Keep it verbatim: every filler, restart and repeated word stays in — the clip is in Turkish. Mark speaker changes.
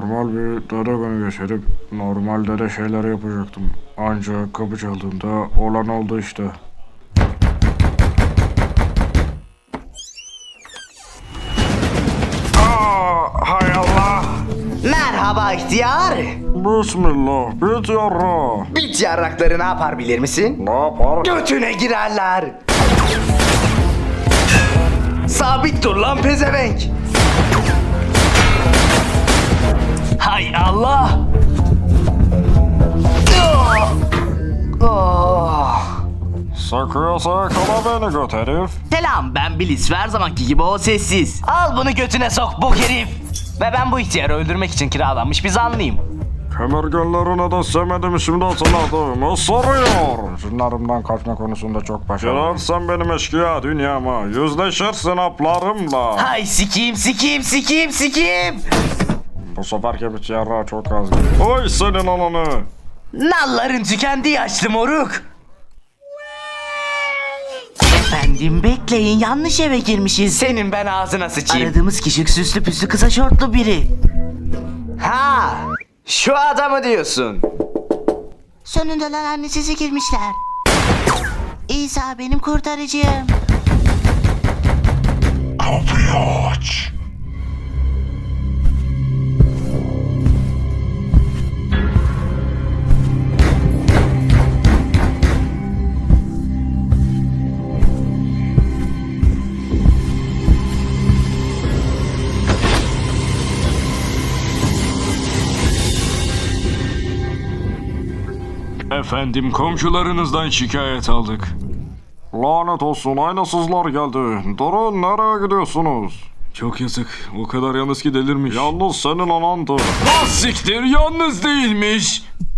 Speaker 1: Normal bir dede günü geçirip normal dede şeyler yapacaktım. Ancak kapı çaldığında olan oldu işte. Aa, hay Allah!
Speaker 2: Merhaba ihtiyar.
Speaker 1: Bismillah, bit yarra.
Speaker 2: Bit yarrakları ne yapar bilir misin?
Speaker 1: Ne yapar?
Speaker 2: Götüne girerler. Sabit dur lan pezevenk. Hay Allah. Oh.
Speaker 1: Sakıyorsa yakala beni göt herif.
Speaker 2: Selam, ben Bilis ve her zamanki gibi o sessiz. Al bunu götüne sok bok herif. Ve ben bu ihtiyarı öldürmek için kiralanmış bir zanlıyım.
Speaker 1: Kemergenlerine de semedim şimdi hatırladım. Isırıyor. Cinlerimden kaçma konusunda çok başarılı. Girersen benim eşkıya dünyama. Yüzleşirsin aplarımla.
Speaker 2: Hay sikiyim sikiyim sikiyim sikiyim.
Speaker 1: Bu seferki bit yarra çok az. Oy senin ananı.
Speaker 2: Nalların tükendi yaşlı moruk. Efendim bekleyin, yanlış eve girmişiz. Senin ben ağzına sıçayım. Aradığımız kişi süslü püslü kısa şortlu biri. Ha, şu adamı diyorsun.
Speaker 3: Sonunda lan annesizi girmişler. İsa benim kurtarıcım.
Speaker 1: Kapıyı aç.
Speaker 4: Efendim, komşularınızdan şikayet aldık.
Speaker 1: Lanet olsun, aynasızlar geldi. Durun, nereye gidiyorsunuz?
Speaker 4: Çok yazık. O kadar yalnız ki delirmiş.
Speaker 1: Yalnız senin anandı.
Speaker 4: Ah siktir, yalnız değilmiş.